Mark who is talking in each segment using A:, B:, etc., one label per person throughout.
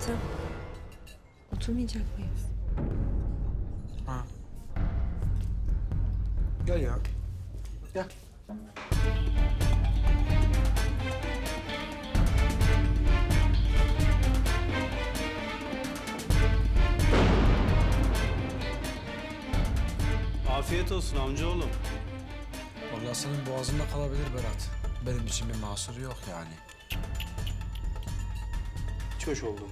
A: Ethem. Oturmayacak mıyız?
B: Ha. Gel ya. Gel.
C: Afiyet olsun amcaoğlum.
B: Vallahi senin boğazında kalabilir Berat. Benim için bir mahsuru yok yani.
C: Hiç hoş oldum.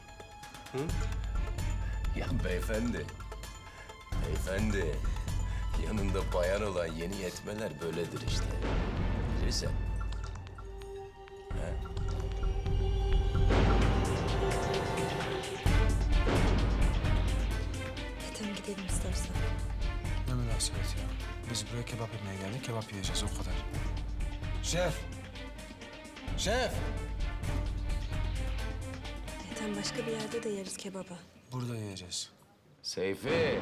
D: Ya beyefendi, yanında bayan olan yeni yetmeler böyledir işte. Bilirsen.
A: Ethem gidelim istersen.
B: Ne münasebet ya. Biz buraya kebap yemeye geldik, kebap yiyeceğiz o kadar. Şef! Şef!
A: Ethem başka bir yerde de yeriz kebabı.
B: Burada yiyeceğiz.
D: Seyfi.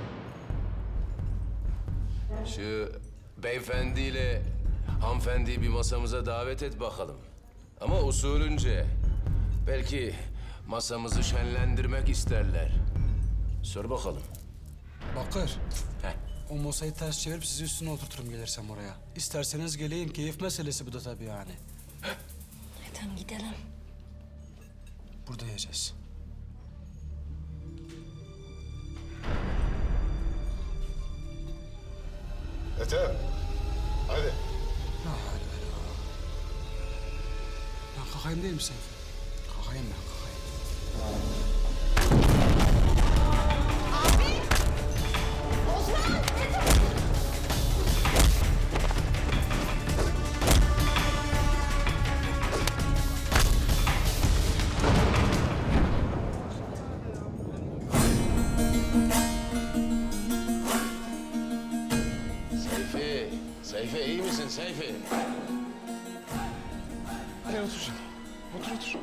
D: Şu beyefendiyle hanımefendiyi bir masamıza davet et bakalım. Ama usulünce. Belki masamızı şenlendirmek isterler. Sor bakalım.
B: Bakır,
D: Heh.
B: o masayı ters çevirip sizi üstüne oturturum gelirsem oraya. İsterseniz geleyim, keyif meselesi bu da tabii yani.
A: Ethem gidelim.
B: Burada yiyeceğiz.
E: Ethem, hadi.
B: La hawle ve la. Ben kalkayım değil mi Seyfi? Kalkayım ben, kalkayım.
D: Seyfi iyi misin Seyfi?
E: Gel otur şimdi. Otur.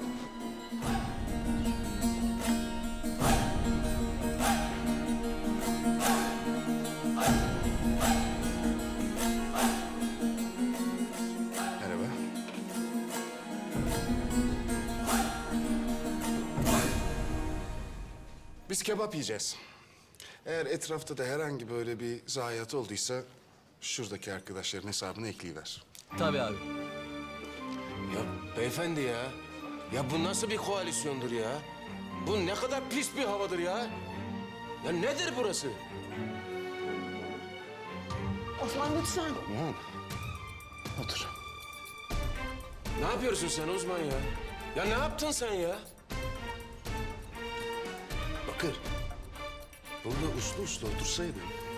E: Merhaba. Biz kebap yiyeceğiz. Eğer etrafta da herhangi böyle bir zayiat olduysa şuradaki arkadaşların hesabını ekleyiver.
C: Tabii abi.
D: Ya beyefendi ya. Ya bu nasıl bir koalisyondur ya? Bu ne kadar pis bir havadır ya. Ya nedir burası?
A: Osman lütfen.
E: Tamam. Otur.
D: Ne yapıyorsun sen uzman ya? Ya ne yaptın sen ya?
E: Bakır. Burada uslu otursaydın.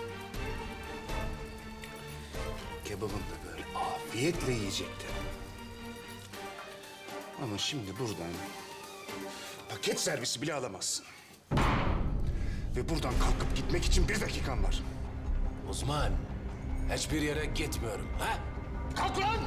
E: Kebabını da böyle afiyetle yiyecektin. Ama şimdi buradan paket servisi bile alamazsın. Ve buradan kalkıp gitmek için 1 dakikan var.
D: Uzman, hiçbir yere gitmiyorum. Ha? Kalk lan!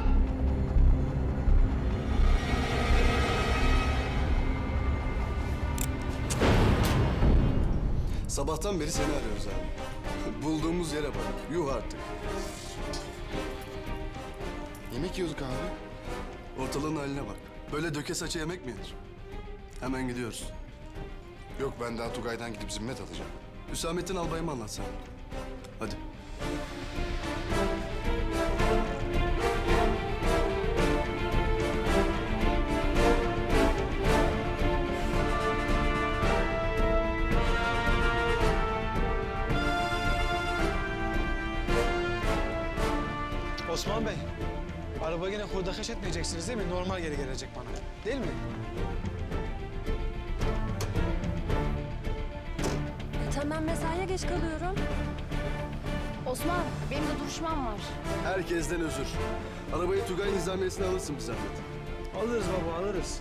F: Sabahtan beri seni arıyoruz abi. Bulduğumuz yere bak. Yuh artık.
E: Yemek yiyorduk abi.
F: Ortalığın haline bak. Böyle döke saça yemek mi yenir? Hemen gidiyoruz.
E: Yok ben daha Tugay'dan gidip zimmet alacağım.
F: Hüsamettin Albay'ı mı anlat sen? Hadi.
G: Osman Bey, araba yine hurdakeş etmeyeceksiniz değil mi? Normal geri gelecek bana. Değil mi?
A: Ethem ben mesaiye geç kalıyorum.
H: Osman, benim de duruşmam var.
F: Herkesten özür. Arabayı Tugay nizamiyesine alırsın bir zahmet.
G: Alırız baba, alırız.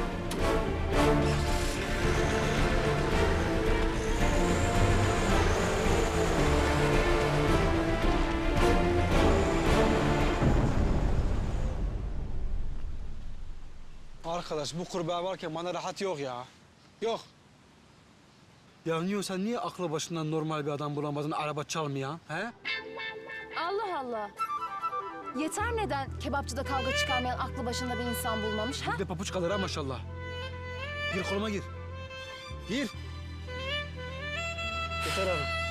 G: Arkadaş bu kurbağa varken bana rahat yok ya. Yok.
B: Ya niye sen niye aklı başından normal bir adam bulamadın araba çalmayan, he?
H: Allah Allah. Yeter neden kebapçıda kavga çıkarmayan aklı başında bir insan bulmamış ha?
B: Bir de papuç kalır ha maşallah. Gir koluma gir.
G: Gir. Yeter abi.